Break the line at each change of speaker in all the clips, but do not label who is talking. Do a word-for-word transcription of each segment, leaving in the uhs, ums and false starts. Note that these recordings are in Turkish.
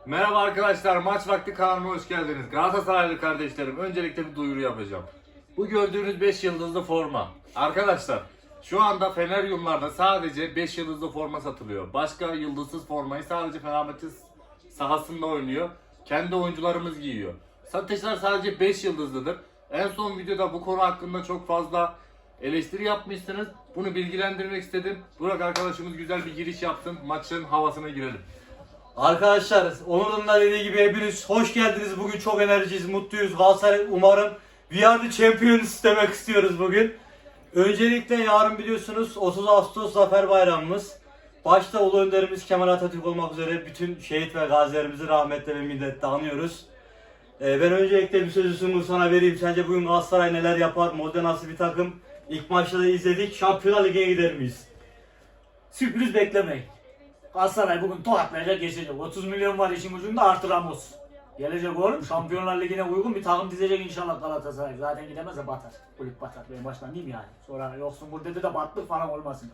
Merhaba arkadaşlar, Maç Vakti kanalıma hoş geldiniz. Galatasaraylı kardeşlerim, öncelikle bir duyuru yapacağım. Bu gördüğünüz beş yıldızlı forma. Arkadaşlar, şu anda Feneryumlarda sadece beş yıldızlı forma satılıyor. Başka yıldızsız formayı sadece Fenerbahçe sahasında oynuyor. Kendi oyuncularımız giyiyor. Satışlar sadece beş yıldızlıdır. En son videoda bu konu hakkında çok fazla eleştiri yapmışsınız. Bunu bilgilendirmek istedim. Burak arkadaşımız güzel bir giriş yapsın. Maçın havasına girelim.
Arkadaşlar, Onur'un da dediği gibi hepiniz hoş geldiniz. Bugün çok enerjiyiz, mutluyuz. Galatasaray umarım We are the champions demek istiyoruz bugün. Öncelikle yarın biliyorsunuz otuz Ağustos Zafer Bayramımız. Başta Ulu Önderimiz Kemal Atatürk olmak üzere bütün şehit ve gazilerimizi rahmetle ve minnetle anıyoruz. Ee, ben öncelikle bir sözü Sungur sana vereyim. Sence bugün Galatasaray neler yapar? Modern nasıl bir takım? İlk maçta da izledik. Şampiyonlar Ligi'ne gider miyiz?
Sürpriz beklemeyin. Galatasaray bugün tokatlayacak, geçecek. otuz milyon var işin ucunda, artı Ramos. Gelecek oğlum, Şampiyonlar Ligi'ne uygun bir takım dizecek inşallah Galatasaray. Zaten gidemezse batar. Kulüp batar. Ben baştan diyeyim yani. Sonra yoksun burada de battık falan olmasın.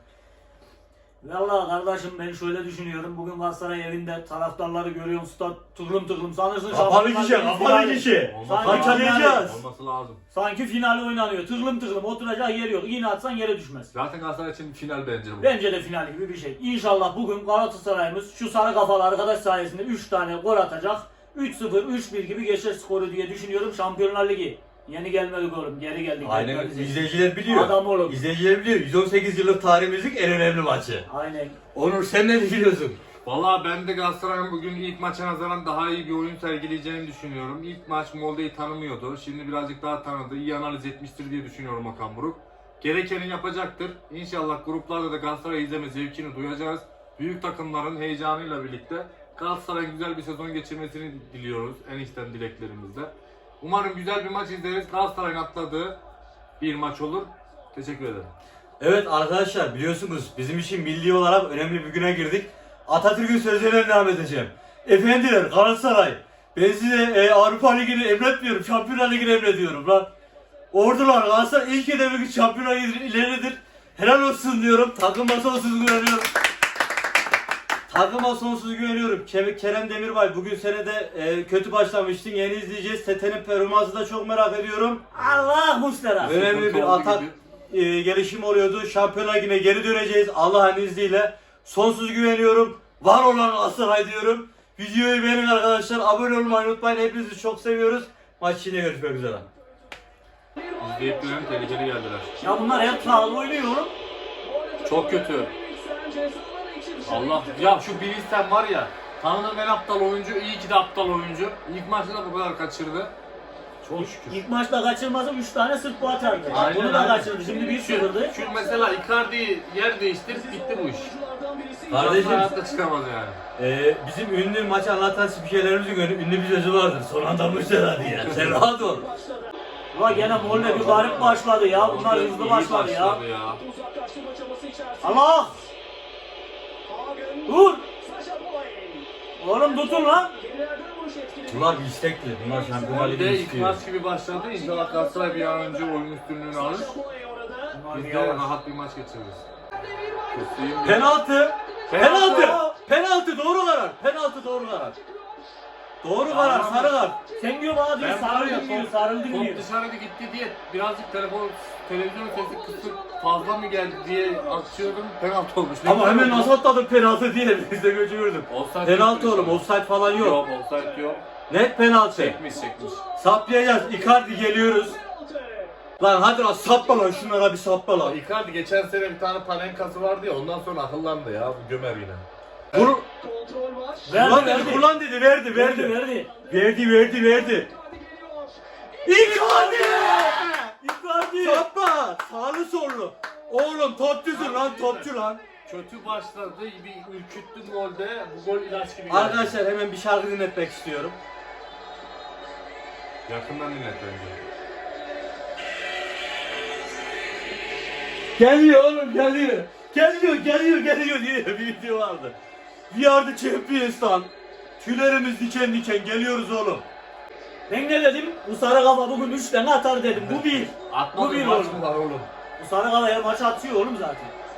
Vallahi kardeşim, ben şöyle düşünüyorum. Bugün Galatasaray evinde, taraftarları görüyorum, stat tıklım tıklım. Sanırsın
Kapalı
Şampiyonlar
kişi,
Ligi
kapalı
finali.
kişi.
Sanki
Parçalayacağız.
Olması lazım.
Sanki final oynanıyor. Tıklım tıklım oturacak yer yok. İğne atsan yere düşmez.
Zaten Galatasaray için final bence bu.
Bence de final gibi bir şey. İnşallah bugün Galatasaray'ımız şu sarı kafalı arkadaş sayesinde üç tane gol atacak. üç sıfır, üç bir gibi geçer skoru diye düşünüyorum. Şampiyonlar Ligi. Yeni gelmedik oğlum. Geri geldik.
Aynen,
Geldik.
izleyiciler biliyor.
Adam oğlum.
İzleyiciler biliyor. yüz on sekiz yıllık tarihimizin en önemli maçı.
Aynen.
Onur, sen ne düşünüyorsun?
Valla ben de Galatasaray'ın bugün ilk maça nazaran daha iyi bir oyun sergileyeceğini düşünüyorum. İlk maç Molde'yi tanımıyordu. Şimdi birazcık daha tanıdı. İyi analiz etmiştir diye düşünüyorum Okan Buruk. Gerekeni yapacaktır. İnşallah gruplarda da Galatasaray izleme zevkini duyacağız. Büyük takımların heyecanıyla birlikte Galatasaray'ın güzel bir sezon geçirmesini diliyoruz. En içten dileklerimizle. Umarım güzel bir maç izleriz. Galatasaray'ın atladığı bir maç olur. Teşekkür ederim.
Evet arkadaşlar, biliyorsunuz bizim için milli olarak önemli bir güne girdik. Atatürk'ün sözlerine devam edeceğim. Efendiler, Galatasaray, ben size e, Avrupa Ligi'ni emretmiyorum, Şampiyonlar Ligi'ni emrediyorum lan. Ordular, Galatasaray ilk hedefi Şampiyonlar Ligi'nin ileridir. Helal olsun diyorum, takıma sonsuz güveniyorum. Takıma sonsuz güveniyorum. Kerem Demirbay, bugün senede e, kötü başlamıştın, yeni izleyeceğiz. Tete'nin performansını da çok merak ediyorum.
Allah Mustera.
Önemli bir atak e, gelişim oluyordu. Şampiyonlar Ligi'ne geri döneceğiz Allah'ın izniyle. Sonsuz güveniyorum. Var olan Galatasaray diyorum. Videoyu beğenin arkadaşlar. Abone olmayı unutmayın. Hepinizi çok seviyoruz. Maç yine görüşmek üzere.
İzleyip gören tehlikeli geldiler.
Ya bunlar hep sağlı oynuyor oğlum.
Çok kötü. Allah ya, şu Bilis'ten var ya, tanıdığım en aptal oyuncu, iyi ki de aptal oyuncu. İlk maçta da bu kadar kaçırdı. Çok şükür.
İlk maçta kaçırmasa üç tane sırt bu atardı.
Aynen,
Bunu da
aynen.
kaçırdı. Şimdi bir
Şu,
sıfırdı.
şu mesela Icardi'yi yer değiştir, bitti bu iş.
Kardeşim,
hayatta çıkamaz yani.
e, bizim ünlü maç anlatan spikerlerimizin ünlü bir sözü vardır. Son anda Müştera diye. Sen rahat ol.
Ulan gene Molde bir garip başladı ya. Bunlar
İyi
hızlı başladı ya.
ya.
Allah! Dur! Oğlum tutun lan!
Bunlar bir istekli. Bunlar Şampiyonlar
Bir de
Ligi'ni
ilk
istiyor.
maç gibi başladı. İnşallah Galatasaray bir an önce oyun üstünlüğünü alır. Biz de rahat bir maç geçiririz. Kötüyüm ya.
Penaltı! Penaltı!
Penaltı!
Penaltı doğru karar. Penaltı doğru karar. Doğru karar, sarı kart.
Sen diyor bana diyor
Ben var ya,
sarıldın diyor,
top-
sarıldın diyor.
Top dışarıda gitti diye birazcık telefon, televizyon sesi kısık fazla mı geldi diye açıyordum, penaltı olmuş. Ne
Ama
güzel
hemen
oldu.
nasıl atladın penaltı diye biz de götürürdüm.
Offside
Penaltı
yok.
oğlum, offside falan yok.
Yok, offside yok.
Net penaltı.
Çekmiş çekmiş.
Saplayacağız. Icardi geliyoruz. Lan hadi lan sapla lan, şunlara bir sapla lan.
Icardi geçen sene bir tane panenkası vardı ya, ondan sonra akıllandı ya, bu gömer yine.
Vur.
Verdi
Kullan dedi,
verdi.
kullan dedi, verdi,
Verdi
verdi.
verdi.
Verdi, verdi, verdi. Icardi!
Icardi!
Sapla! Sağlı sollu. Oğlum topçusun lan, topçu lan.
Kötü başladı, bir ürküttü golde, bu gol ilaç gibi geldi.
Arkadaşlar hemen bir şarkı dinletmek istiyorum.
Yakından dinlet bence.
Geliyor oğlum, geliyor. Geliyor, geliyor, geliyor diye bir video vardı. We are the champions lan. Tüylerimiz diken diken, geliyoruz oğlum.
Ben ne dedim? Bu sarı kafa bugün üç tane atar dedim. Bu bir. Bu
Atmadı
bir
maç
oğlum.
mı var oğlum?
Bu sarı kafa her maç atıyor oğlum zaten.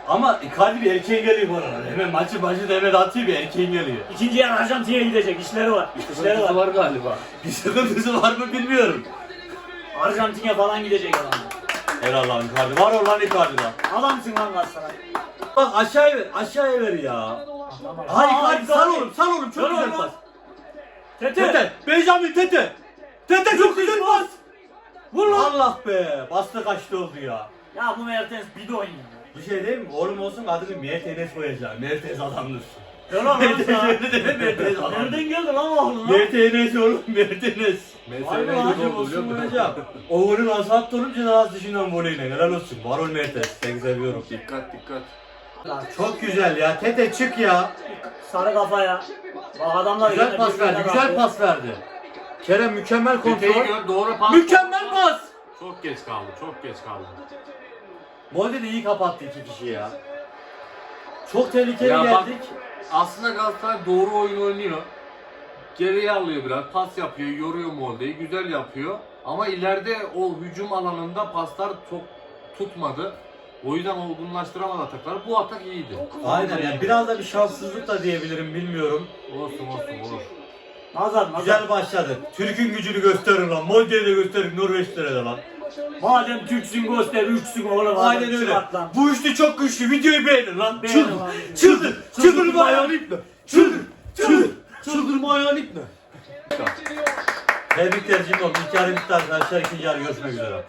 Ama Icardi bir erkeğin geliyor bana. Hemen maçı başı da hemen atıyor bir erkeğin geliyor.
İkinci yarı Arjantin'e gidecek. İşleri var. İşleri
Sıkıntısı
var.
var galiba.
Bir sıkıntısı var mı bilmiyorum.
Arjantin'e falan gidecek adam.
Helal lan Icardi. Var ol lan Icardi lan.
Adamsın lan Galatasaray.
Bak aşağıya ver. Aşağıya ver ya.
Tamam.
Hay
Aa,
Icardi sal oğlum sal oğlum. Çok
Ver
güzel
oğlum.
pas.
Tete.
Tete. Benjamin Tete. Tete çok güzel pas.
Vur lan.
Allah be. Bastı kaçtı oldu ya.
Ya bu Mertens bidon ya.
Bir şey değil mi? Oğlum olsun adını Mertens koyacağım. Mertens adamdır.
Ver lan
Mertens
lan.
öyle deme Mertens adamdır.
Nereden geldi lan oğlum lan?
Mertens oğlum Mertens.
Mesela
Harbi
ne
lan,
oldu biliyor musun?
Hocam. O golü nasıl attı oğlum cezası dışından voleyle. Helal olsun. Var ol Mertens. Seni seviyorum.
Dikkat dikkat.
Lan
Çok güzel ya. Tete çık ya.
sarı kafaya. Bak adamlar
Güzel
yine
pas
birbirine
verdi. Güzel
baktı.
pas verdi. Kerem mükemmel
Teteyi
kontrol.
gör doğru pas.
Mükemmel pas.
Çok geç kaldı. Çok geç kaldı.
Molde de iyi kapattı iki kişi ya. Çok tehlikeli
Ya bak,
geldik.
aslında Galatasaray doğru oyun oynuyor. Geriye alıyor biraz, pas yapıyor, yoruyor Molde'yi, güzel yapıyor. Ama ileride o hücum alanında paslar çok tutmadı. O yüzden olgunlaştıramadı atakları. Bu atak iyiydi.
Aynen yani biraz da bir şanssızlık da diyebilirim bilmiyorum.
Olsun olsun olur.
Nazar nazar.
Güzel başladı. Türk'ün gücünü gösterin lan. Molde'yi de gösterin Norveçlere de lan.
Madem Türksün göster, üçsün oğlum.
Aynen
adam,
öyle.
çıkart lan.
Bu üçlü çok güçlü. Videoyu beğenin lan.
Beğenin
Çıldır.
lan.
Çıldır. Çıldırma ayağını iple. Çıldır. Çıldır. Çıldırma ayağını iple. Tebrikler Cimom. İlk yarı bitti arkadaşlar. İkinci yarı görüşmek üzere.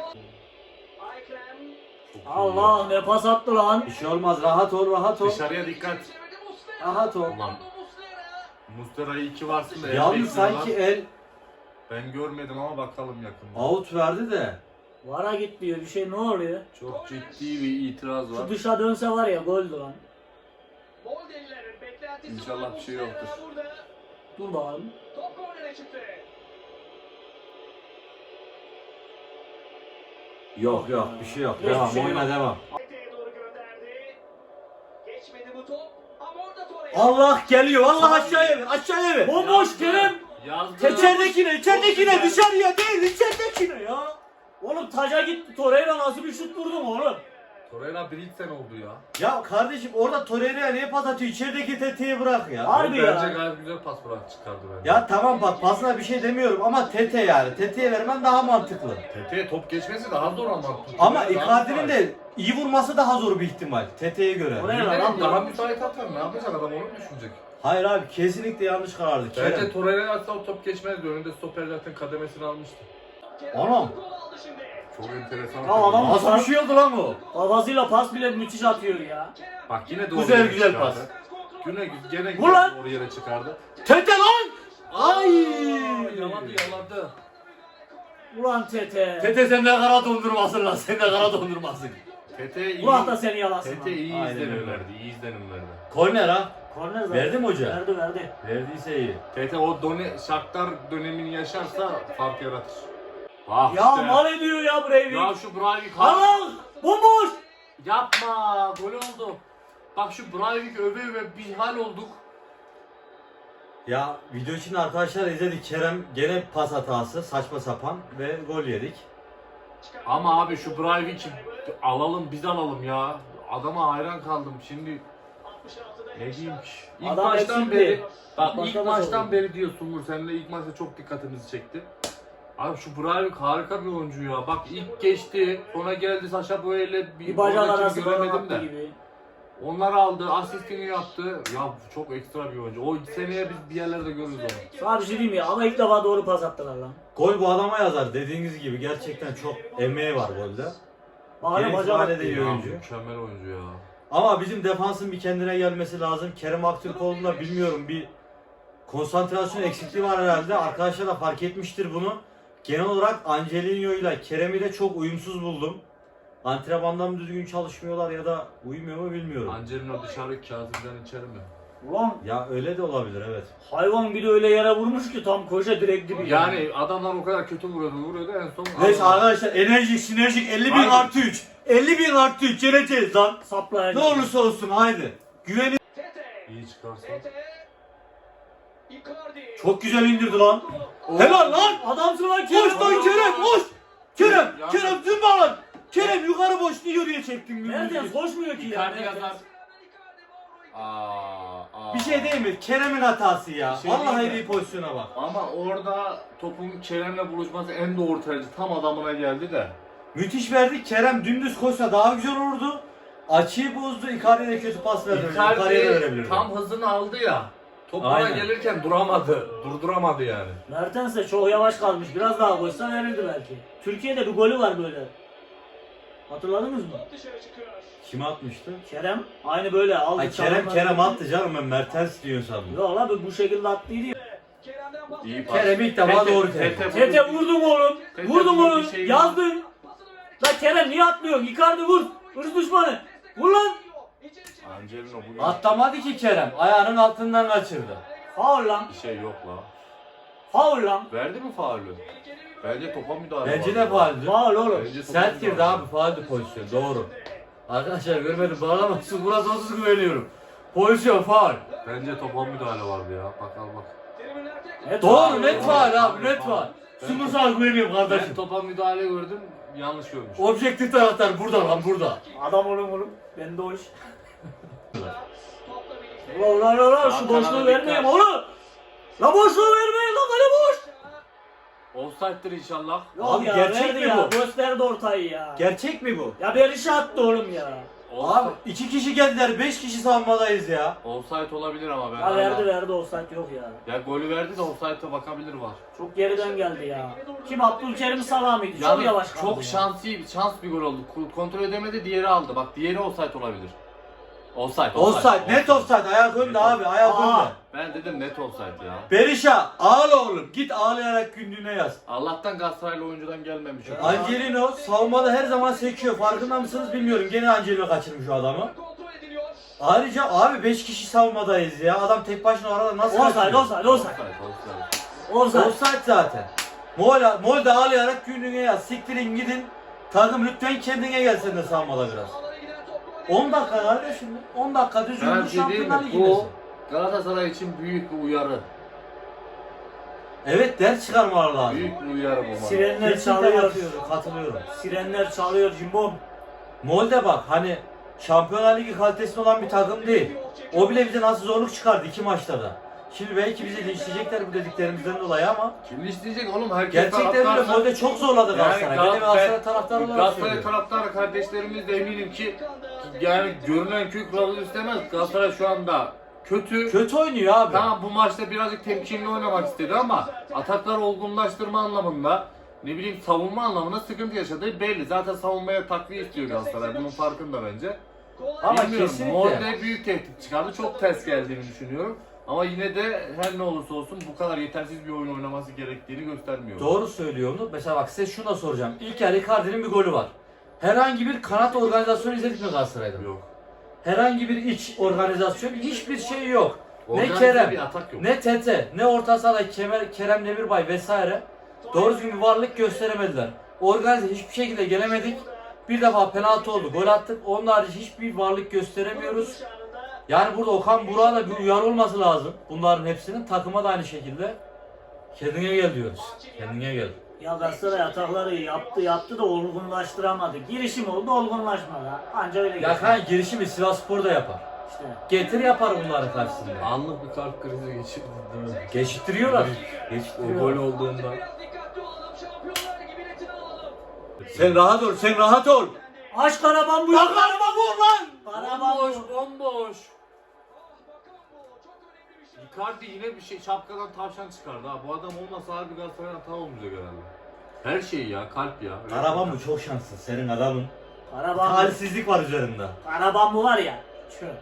Allah ne pas attı lan.
Bir şey olmaz. Rahat ol. Rahat ol.
Dışarıya dikkat.
Rahat ol.
Ulan Mustera'yı iki varsın da el
Yalnız
bekliyorlar.
sanki el
Ben görmedim ama bakalım yakında.
out verdi de.
Vara git diyor bir şey ne oluyor?
Çok ciddi bir itiraz var.
Şu dışa dönse var ya goldü lan.
İnşallah bir şey yoktur.
Dur bakalım.
Yok yok bir şey yok.
Hiçbir
Devam
şey
oyna
yok.
devam. Allah geliyor. Allah aşağıya ver. Aşağıya ver.
Bomboş Kerem.
Yazdı.
İçeridekine, içeridekine,
Çok güzel.
dışarıya değil, içeridekine ya.
Oğlum taca gitti. Torreira nasıl bir şut vurdun oğlum?
Torreira Britsen oldu ya.
Ya kardeşim orada Torreira'ya niye pas atıyor? İçerideki tetiği bırak ya.
Harbi
Bence
ya.
gayet güzel pas bırak çıkardı bence.
Ya tamam bak pasına bir şey demiyorum ama Tete yani. Tete'ye vermen daha mantıklı.
Tete'ye top geçmesi daha zor ama.
Ama
Daha
Icardi'nin
kolay.
de iyi vurması daha zor bir ihtimal. Tete'ye göre.
Oraya
Ne
ver
bileyim,
lan
daha
daha.
müsait atar ne yapacak adam onu mu düşünecek?
Hayır abi kesinlikle yanlış karardı.
Bence
Kerem.
Torreira atsa o top geçmezdi. Önünde stoper zaten kademesini almıştı.
Anam.
Çok enteresan.
Ya adam-
Nasıl bir şey oldu lan bu?
Kafasıyla pas bile müthiş atıyor ya.
Bak yine doğru
Güzel,
yere
güzel
çıkardı.
pas.
Yine gene
Vur lan!
doğru yere çıkardı.
Tete lan! Ay!
Yaladı yaladı.
Ulan Tete.
Tete sen de kara dondurmasın lan. Sen de kara dondurmasın.
Tete iyi.
Ulan da seni yalasın
Tete
lan.
iyi
Aynen
izlenim
öyle.
verdi. İyi izlenim verdi.
Korner ha.
Korner zaten.
Verdi mi hoca?
Verdi verdi.
Verdiyse iyi.
Tete o done, Shakhtar dönemini yaşarsa fark yaratır. Ah
Ya
işte.
mal ediyor ya Breivik.
Ya şu Breivik
Allah! Bomboş!
yapma gol oldu. Bak şu Breivik öve öve bir hal olduk.
Ya video için arkadaşlar izledik. Kerem gene pas hatası. Saçma sapan ve gol yedik.
Ama abi şu Breivik'i alalım biz alalım ya. Adama hayran kaldım şimdi. Ne diyeyim ki? İlk
Adam
maçtan
eksildi.
beri bak
Başka
ilk
maç
maçtan
oldu.
beri diyorsun Umur seninle ilk maçta çok dikkatimizi çekti. Abi şu Breivik harika bir oyuncu ya. Bak ilk geçti, sonra geldi Sacha Boey'le bir,
Bir bacak
oradakini
arası falan
göremedim
attı
de.
gibi.
Onları aldı, asistini yaptı. Ya çok ekstra bir oyuncu. O seneye biz bir yerlerde görürüz onu.
Sana bir şey diyeyim ya ama ilk defa doğru pas attılar lan.
Gol bu adama yazar. Dediğiniz gibi gerçekten çok emeği var golde.
Bana
Yeni
bacak
ihale
attı.
de iyi
Ya,
oyuncu.
mükemmel oyuncu ya.
Ama bizim defansın bir kendine gelmesi lazım. Kerem Aktürkoğlu'nda bilmiyorum bir konsantrasyon eksikliği var herhalde. Arkadaşlar da fark etmiştir bunu. Genel olarak Angelino ile Kerem'i de çok uyumsuz buldum. Antrenmanda mı düzgün çalışmıyorlar ya da uyumuyor mu bilmiyorum.
Angelino dışarı Kazım'dan içeri mi?
Ulan
Ya öyle de olabilir evet.
hayvan bir de öyle yere vurmuş ki tam koşa direkt dibi.
Yani adamlar o kadar kötü vuruyordu, vuruyordu en son.
Neyse arkadaşlar enerjik sinerjik elli bin
Haydi.
artı üç. elli bin artı üç geleceğiz lan.
saplayacak.
Ne olursa olsun haydi. Güveni
İyi çıkarsa.
çok güzel indirdi lan. Helal lan.
Adamsın lan Kerem.
Koş lan Kerem koş. Kerem
Ya-
Kerem zımba lan. Kerem yukarı boş niye oraya çektin?
Mertens koşmuyor ki ya.
Icardi
Mertens.
yazar. Aa, aa.
Bir şey değil mi? Kerem'in hatası ya.
Bir şey
Vallahi
değil mi?
iyi pozisyona bak.
Ama orada topun Kerem'le buluşması en doğru tercih. Tam adamına geldi de.
Müthiş verdik. Kerem dümdüz koşsa daha güzel olurdu. Açıyı bozdu. Icardi'ye de kötü pas verdi. Icardi'ye de
Icardi
verebilirdi.
tam hızını aldı ya. Topuna
Aynen.
gelirken duramadı. Durduramadı yani.
Mertens de çok yavaş kalmış. Biraz daha koşsa verirdi belki. Türkiye'de bir golü var böyle. Hatırladınız mı?
Kime atmıştı?
Kerem aynı böyle aldı.
Ay Kerem
çalımları-
Kerem attı canım, ben Mertens diyor sandım.
Yok lan bu şekilde attıydı ya.
İyi pas.
Kerem ilk defa
Tete-
doğru
Tete
tercih.
vurdu.
Tete vurdun oğlum.
Tete
Vurdun
vurdu,
oğlum.
bir şey
Yazdın. La Kerem niye atlıyorsun? Icardi vur. Hırs düşmanı. Vur lan.
Angelino bugün
Atlamadı ki Kerem. Ayağının altından kaçırdı.
Faul lan.
bir şey yok la.
Faul lan.
Verdi mi faulü? Bence topa müdahale
Bence
var.
de fauldü.
Faul oğlum.
Bence topa
Sert girdi
müdahale.
abi, fauldü pozisyon. Doğru. Arkadaşlar görmedim, bağlamasın. Burası onsuz güveniyorum. Pozisyon faul.
Bence topa müdahale vardı ya. Bak al bak.
Net
Doğru,
faul.
net faul abi, net faul.
Ben-
Sumursal güveniyorum
Ben
kardeşim.
topa müdahale gördüm. Yanlış görmüş.
Objektif taraftar burada lan, burada.
Adam oğlum oğlum. Ben de o iş. Ulan ulan ulan
Sağ
şu
kanada
boşluğu
dikkat.
vermeyin oğlum. La boşluğu vermeyin lan kale boş.
Offside'dir inşallah.
Yok
Abi
ya
gerçek
verdi
mi
ya.
bu?
Gösterdi ortayı ya.
Gerçek mi bu?
Ya Berisha attı oğlum ya.
Abi iki kişi geldiler, beş kişi savunmadayız ya.
Offside olabilir ama ben.
Ya
hala-
verdi verdi offside yok ya.
Ya golü verdi de offside'a bakabilir var.
Çok geriden geldi ya. Kim Abdülkerim Salah mıydı? Çok
Yani
yavaş kaldı
çok
ya.
şansı şans bir gol oldu. Ko- Kontrol edemedi, diğeri aldı. Bak diğeri offside olabilir. Offside.
Offside, net offside. Ayak önde abi, ayak
Aa.
önde.
Ben dedim net offside ya.
Berisha ağla oğlum, git ağlayarak günlüğüne yaz.
Allah'tan Galatasaraylı oyuncudan gelmemiş. o.
Angelino savunmada her zaman sekiyor, farkında mısınız bilmiyorum. Gene Angelino kaçırmış o adamı. Ayrıca abi beş kişi savunmadayız ya. Adam tek başına orada nasıl
Offside
kaçırıyor?
offside offside.
Offside, offside.
Offside.
Offside zaten. Mol, Mol de ağlayarak günlüğüne yaz. Siktirin gidin. Takım lütfen kendine gelsin de savunmada biraz. on dakika kardeşim. on dakika düz
Ben
yumruk
bir şey diyeyim
Şampiyonlar
mi?
Ligi'ndesin.
Bu Galatasaray için büyük bir uyarı.
Evet, ders çıkarmalar lazım.
Büyük bir uyarı bu bana.
Sirenler
Kesinlikle
çalıyor.
katılıyorum, katılıyorum.
Sirenler çalıyor cimbom.
Molde bak, hani Şampiyonlar Ligi kalitesinde olan bir takım değil. O bile bize nasıl zorluk çıkardı iki maçta da. Şimdi belki bizi linçleyecekler bu dediklerimizden dolayı ama
Kim isteyecek oğlum? Herkes
gerçekten öyle.
taraftarsa-
Molde çok zorladı Galatasaray.
Gal-
Ben de Galatasaray
ben-
taraftarı olarak
Galatasaray
söylüyorum.
taraftarı kardeşlerimiz de eminim ki yani görünen köy kılavuz istemez. Galatasaray şu anda kötü.
Kötü oynuyor abi.
Tamam bu maçta birazcık temkinli oynamak istedi ama atakları olgunlaştırma anlamında ne bileyim savunma anlamında sıkıntı yaşadığı belli. Zaten savunmaya takviye istiyor Galatasaray. Bunun farkında bence.
Ama
Bilmiyorum.
kesinlikle.
Molde büyük tehdit çıkardı. Çok ters geldiğini düşünüyorum. Ama yine de her ne olursa olsun bu kadar yetersiz bir oyun oynaması gerektiğini göstermiyor.
Doğru söylüyor onu. Mesela bak size şunu da soracağım. İlk yarı Icardi'nin bir golü var. Herhangi bir kanat organizasyonu izledik mi Galatasaray'da?
Yok.
Herhangi bir iç organizasyon, hiçbir şey yok. Ne
Organize
Kerem,
bir atak yok.
ne Tete, ne orta sahada Kemer, Kerem Demirbay vesaire doğru düzgün bir varlık gösteremediler. Organize hiçbir şekilde gelemedik. Bir defa penaltı oldu, gol attık. Onun harici hiçbir varlık gösteremiyoruz. Yani burada Okan Burak'a da bir uyarı olması lazım. Bunların hepsinin, takıma da aynı şekilde. Kendine gel diyoruz. Kendine gel.
Ya Galatasaray atakları yaptı yaptı da olgunlaştıramadı. Girişim oldu olgunlaşmadı. Anca öyle
Ya
geçti.
kan girişimi Sivasspor da yapar.
İşte.
Getir yapar bunların karşısında.
Anlık bir kalp krizi geçirdi değil mi?
Geçittiriyorlar.
O
Geçittiriyorlar.
gol olduğunda.
Sen rahat ol, sen rahat ol.
Aç Karaban bu.
Lan karıma vur lan.
Karaban
Bomboş,
bu.
bomboş. Icardi yine bir şey şapkadan tavşan çıkardı ha. Bu adam olmasa harbi Galatasaray'ın hata olmayacak herhalde. Her şey ya, kalp ya.
Karaman bu çok şanssız senin adamın.
Karaban bu.
Talihsizlik var üzerinde.
Karaban bu var ya. Çöp.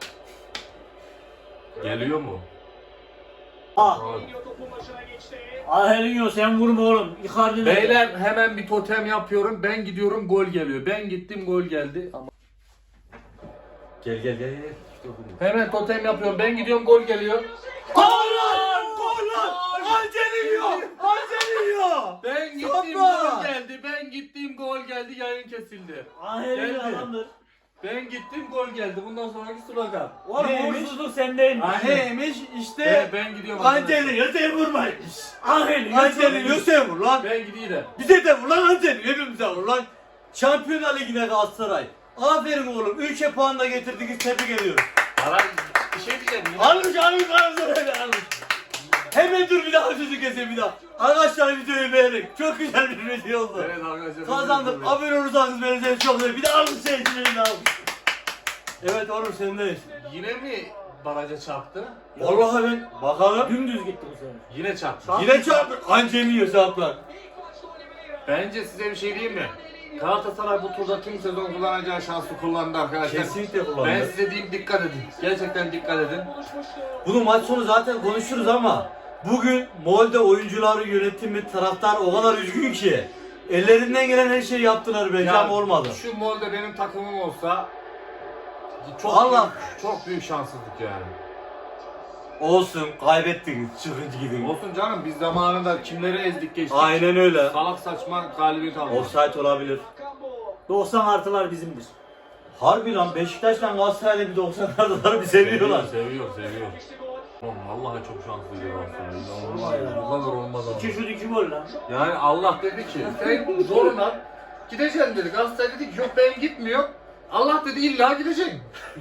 Geliyor mu?
Ah.
Abi.
Ahelinho sen vurma oğlum. Icardi ne?
Beyler hemen bir totem yapıyorum. Ben gidiyorum gol geliyor. Ben gittim gol geldi. Ama
Gel gel gel gel.
hemen totem yapıyorum. Ben gidiyorum gol geliyor.
Gol lan! Gol lan! Angelino! Angelino!
Ben gittim
Yapma!
gol geldi. Ben gittim gol geldi. Yayın kesildi.
Ahelinho
Geldi.
adamdır.
Ben gittim gol geldi. Bundan sonraki slogan.
Oğlum
Neymiş?
uğursuzluk sendeymiş.
Neymiş
Ben,
işte
ben gidiyorum. arkadaşlar.
Angelino sen vurmaymış.
Ahelinho.
Angelino sen vur lan.
Ben gideyim de.
Bize de vur lan Angelino, hepimize vur lan. Şampiyonlar Ligi'ne Galatasaray. Aferin oğlum. Ülke puanla getirdiniz. Tebrik ediyorum.
Valla bir şey diyeceğim. Yine...
Almış almış Galatasaray almış. Hemen dur bir daha sözü keseyim bir daha. Arkadaşlar videoyu beğenin. Çok güzel bir video oldu.
Evet arkadaşlar.
Kazandım. Abone olursanız beni seni çok seviyorum. Bir daha almış seyircilerini almış. Evet oğlum sendeyiz.
Yine mi baraja çarptı?
Vallahi ben bakalım.
Dümdüz gitti bu sefer.
Yine çarptı.
Yine çarptı. Anca yiyor saplar.
Bence size bir şey diyeyim mi? Galatasaray bu turda tüm sezon kullanacağı şansı kullandı arkadaşlar.
Kesinlikle kullandı.
Ben size diyeyim dikkat edin. Gerçekten dikkat edin.
Bunu maç sonu zaten konuşuruz ama bugün Molde oyuncuları, yönetimi, taraftar o kadar üzgün ki ellerinden gelen her şeyi yaptılar bence ama olmadı.
Şu Molde benim takımım olsa çok
Allah.
büyük, çok büyük şanssızlık yani.
Olsun, kaybettiniz. Çıkıncı gidin.
Olsun canım biz zamanında kimleri ezdik geçtik.
Aynen öyle.
Salak saçma galibiyet aldık.
Offside olabilir.
doksan artılar bizimdir.
Harbi lan Beşiktaş'la Galatasaray'la bir doksanlardalar bir seviyorlar.
Seviyor, seviyor. Oğlum vallahi çok şanslıydı Galatasaray.
Vallahi ya.
Bu kadar olmaz ama.
İki şut iki gol lan.
Yani Allah dedi ki sen zoruna gideceksin dedi. Galatasaray dedi ki yok ben gitmiyorum. Allah dedi illa gideceksin.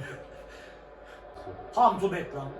Tam to back lan.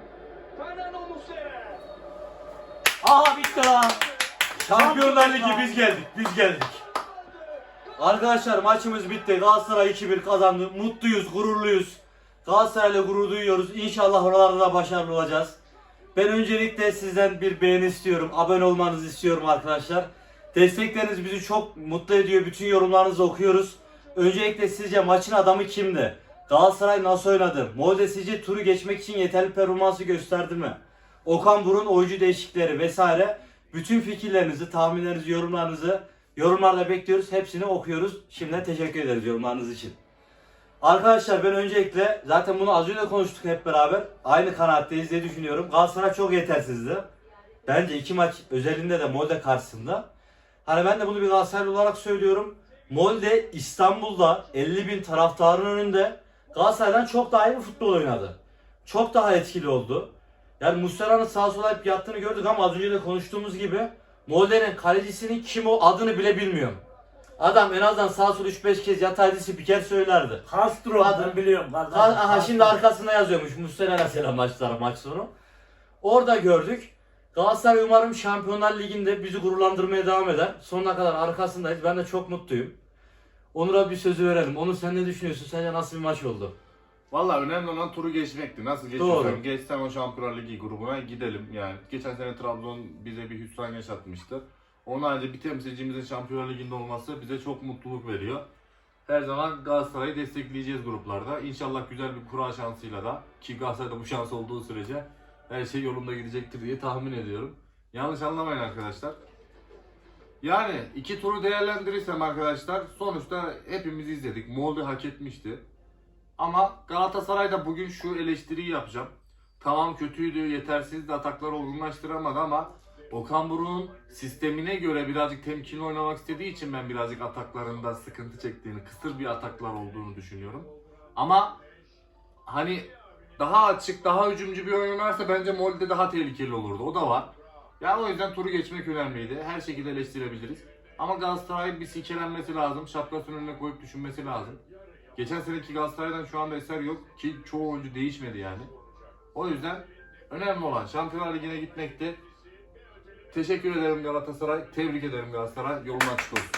Aha bitti lan.
Şampiyonlar Ligi biz geldik, biz geldik. Arkadaşlar maçımız bitti. Galatasaray iki bir kazandı. Mutluyuz, gururluyuz. Galatasaray'la gurur duyuyoruz. İnşallah oralarda da başarılı olacağız. Ben öncelikle sizden bir beğeni istiyorum. Abone olmanızı istiyorum arkadaşlar. Destekleriniz bizi çok mutlu ediyor. Bütün yorumlarınızı okuyoruz. Öncelikle sizce maçın adamı kimdi? Galatasaray nasıl oynadı? Molde sizce turu geçmek için yeterli performansı gösterdi mi? Okan Buruk'un oyuncu değişiklikleri vesaire. Bütün fikirlerinizi, tahminlerinizi, yorumlarınızı yorumlarda bekliyoruz. Hepsini okuyoruz. Şimdiden teşekkür ederiz yorumlarınız için. Arkadaşlar ben öncelikle zaten bunu az önce konuştuk hep beraber. Aynı kanaatteyiz diye düşünüyorum. Galatasaray çok yetersizdi. Bence iki maç özelinde de Molde karşısında. Hani ben de bunu bir Galatasaraylı olarak söylüyorum. Molde İstanbul'da elli bin taraftarın önünde Galatasaray'dan çok daha iyi bir futbol oynadı. Çok daha etkili oldu. Yani Muslera'nın sağa sola hep yattığını gördük ama az önce de konuştuğumuz gibi Molde'nin kalecisinin kim o adını bile bilmiyorum. Adam en azından sağa sola üç beş kez yataydı spiker söylerdi.
Castro
Adam-
ben biliyorum kardeşim.
Ha, aha
Castro.
şimdi arkasında yazıyormuş Muslera'na selam maçlara maç sonu. Orada gördük. Galatasaray umarım Şampiyonlar Ligi'nde bizi gururlandırmaya devam eder. Sonuna kadar arkasındayız. Ben de çok mutluyum. Onur'a bir sözü verelim. Onur sen ne düşünüyorsun? Sence nasıl bir maç oldu?
Vallahi önemli olan turu geçmekti. Nasıl
Doğru.
geçirsem geçsem o Şampiyonlar Ligi grubuna gidelim yani. Geçen sene Trabzon bize bir hüsran yaşatmıştı. Onun haricinde bir temsilcimizin Şampiyonlar Ligi'nde olması bize çok mutluluk veriyor. Her zaman Galatasaray'ı destekleyeceğiz gruplarda. İnşallah güzel bir kura şansıyla da ki Galatasaray'da bu şans olduğu sürece her şey yolunda gidecektir diye tahmin ediyorum. Yanlış anlamayın arkadaşlar. Yani iki turu değerlendirirsem arkadaşlar sonuçta hepimiz izledik. Molde hak etmişti. Ama Galatasaray'da bugün şu eleştiriyi yapacağım. Tamam kötüydü, yetersizdi, atakları olgunlaştıramadı ama Okan Buruk'un sistemine göre birazcık temkinli oynamak istediği için ben birazcık ataklarında sıkıntı çektiğini, kısır bir ataklar olduğunu düşünüyorum. Ama hani daha açık, daha hücumcu bir oyun oynarsa bence Molde daha tehlikeli olurdu. O da var. Yani o yüzden turu geçmek önemliydi. Her şekilde eleştirebiliriz. Ama Galatasaray'ın bir silkelenmesi lazım. Şapkasının önüne koyup düşünmesi lazım. Geçen seneki Galatasaray'dan şu anda eser yok ki çoğu oyuncu değişmedi yani. O yüzden önemli olan Şampiyonlar Ligi'ne gitmekti. Teşekkür ederim Galatasaray. Tebrik ederim Galatasaray. Yolun açık olsun.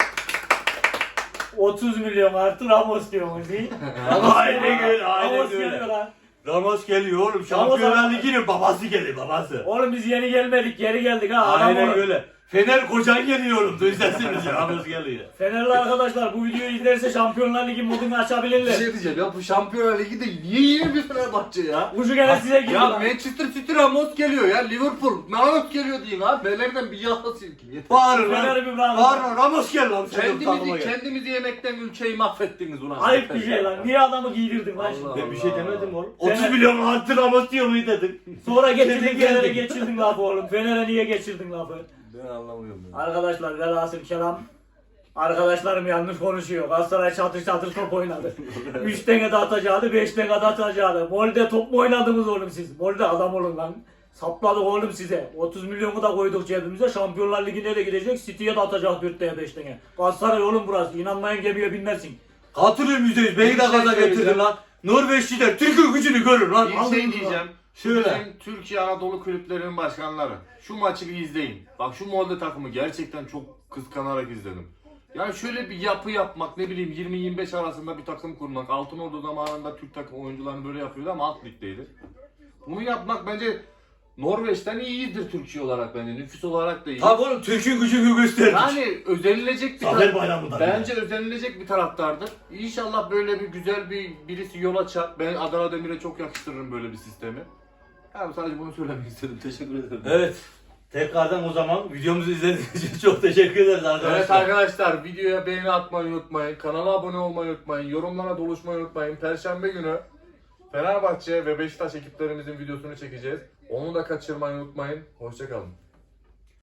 otuz milyon artı Ramos diyormuş değil.
Aynen öyle, aynen
Ramos
öyle.
geliyor lan.
Ramos geliyor oğlum. Şampiyonlar Ligi'nin babası geliyor babası.
Oğlum biz yeni gelmedik geri geldik ha. Adam
Aynen
oğlum.
öyle. Fener kocan geliyor oğlum. Duysasınız ya. Ramos geliyor.
Fenerli arkadaşlar bu videoyu izlerse Şampiyonlar Ligi modunu
Bir
açabilirler.
şey diyeceğim ya bu Şampiyonlar Ligi'de niye yeni bir Fenerbahçe ya?
Ucu gene size gidiyor
Ya
lan.
Manchester City Ramos geliyor ya. Liverpool Ramos geliyor deyin ha. Fener'den bir yağla silkin. Yeter.
Bağırın lan.
Fener'i bir bırakın.
Bağırın lan. Ramos gel lan. Sen takıma
Kendimizi,
gel.
kendimizi yemekten ülkeyi mahvettiniz ulan.
Ayıp bir şey lan. Niye adamı giydirdin lan şimdi?
Allah.
Ben bir şey demedim oğlum.
Fener-
otuz milyon artı Ramos diyor mu dedim.
Sonra getirdin
Kendi
Fener'e
geldin.
geçirdin lafı oğlum. Fener'e niye geçirdin lafı?
Ben anlamıyorum ya.
Arkadaşlar velhasıl kelam. Arkadaşlarım yanlış konuşuyor. Galatasaray çatır çatır top oynadı. üç tane de atacaktı, beş tane de atacaktı. Molde top mu oynadınız oğlum siz? Molde adam olun lan. Sapladık oğlum size. otuz milyonu da koyduk cebimize. Şampiyonlar Ligi'ne de gidecek. City'ye de atacak dörtte beş tane. Galatasaray oğlum burası. İnanmayan gemiye binmezsin.
Katılıyorum yüzde yüz. Beni
Bir
de
şey
gaza getirdin
söyleyeceğim.
lan. Norveçliler Türk'ün gücünü görür lan.
Bir
Allah'ım
şey
lan.
diyeceğim.
Şöyle.
Bizim Türkiye Anadolu kulüplerinin başkanları. Şu maçı bir izleyin. Bak şu Molde takımı gerçekten çok kıskanarak izledim. Yani şöyle bir yapı yapmak, ne bileyim yirmi yirmi beş arasında bir takım kurmak. Altınordu zamanında Türk takım oyuncularını böyle yapıyordu ama alt ligdeydi. Bunu yapmak bence Norveç'ten iyidir Türkiye olarak bence. Nüfus olarak da iyi.
Tabi oğlum Türk'ün gücünü gösterdik.
Yani özenilecek bir
Zafer
taraf.
Bayramı'nda.
Bence özenilecek bir taraftardır. İnşallah böyle bir güzel bir birisi yol açar. Ben Adana Demir'e çok yakıştırırım böyle bir sistemi. Yani sadece bunu söylemek istedim. Teşekkür ederim.
Evet. Tekrardan o zaman videomuzu izlediğiniz için çok teşekkür ederiz arkadaşlar.
Evet arkadaşlar, videoya beğeni atmayı unutmayın. Kanala abone olmayı unutmayın. Yorumlara doluşmayı unutmayın. Perşembe günü Fenerbahçe ve Beşiktaş ekiplerimizin videosunu çekeceğiz. Onu da kaçırmayı unutmayın. Hoşça kalın.